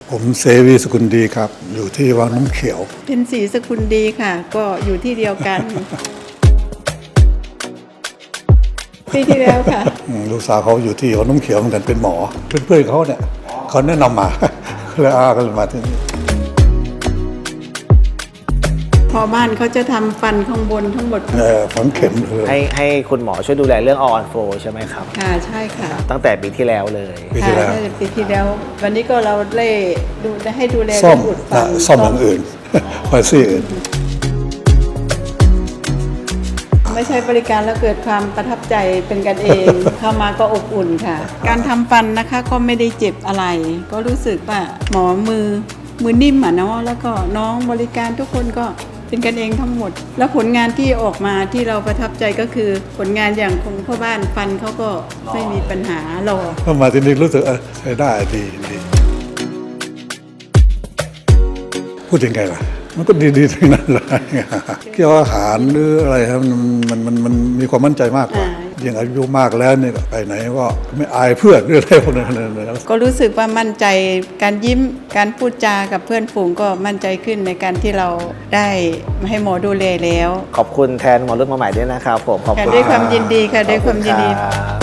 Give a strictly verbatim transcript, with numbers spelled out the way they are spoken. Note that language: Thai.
ผมเสวีสกุลดีครับอยู่ที่วังน้ำเขียวเป็นศรีสกุลดีค่ะก็อยู่ที่เดียวกัน ปีที่แล้วค่ะลูกสาวเขาอยู่ที่วังน้ำเขียวเหมือนกันเป็นหมอเพื่อนๆเขาเนี่ยเขาแนะนำมาแล้วอาก็เลยมาที่นี่พอบ้านเขาจะทำฟันข้างบนทั้งหมดเออฝังเข็มเลยให้ให้คุณหมอช่วยดูแลเรื่องออนโฟใช่ไหมครับค่ะใช่ค่ะตั้งแต่ปีที่แล้วเลยปีที่แล้วปีที่แล้ววันนี้ก็เราเล่ดูให้ดูแลซ่อมอุดฟันซ่อมอย่างอื่นคอยซี่อื่นไม่ใช่บริการแล้วเกิดความประทับใจเป็นกันเอง เข้ามาก็อบอุ่นค่ะการทำฟันนะคะก็ไม่ได้เจ็บอะไรก็รู้สึกว่าหมอมือมือนิ่มอ่ะเนาะแล้วก็น้องบริการทุกคนก็เป็นกันเองทั้งหมดแล้วผลงานที่ออกมาที่เราประทับใจก็คือผลงานอย่างของพ่อบ้านฟันเขาก็ไม่มีปัญหาหรอกเข้ามาที่นี่รู้สึกใช้ได้ดีดีพูดยังไงล่ะมันก็ดีๆทั้งนั้นเลยเกี่ยวกับอาหารหรืออะไรครับมันมันมันมีความมั่นใจมากกว่ายิ่งอายุมากแล้วเนี่ยไปไหนก็ไม่อายเพื่อนหรืออะไรพวกนั้นก็รู้สึกว่ามั่นใจการยิ้มการพูดจากับเพื่อนฝูงก็มั่นใจขึ้นในการที่เราได้ให้หมอดูแลแล้วขอบคุณแทนหมอรุ่นมาใหม่ด้วยนะครับผมขอบคุณด้วยความยินดีค่ะด้วยความยินดี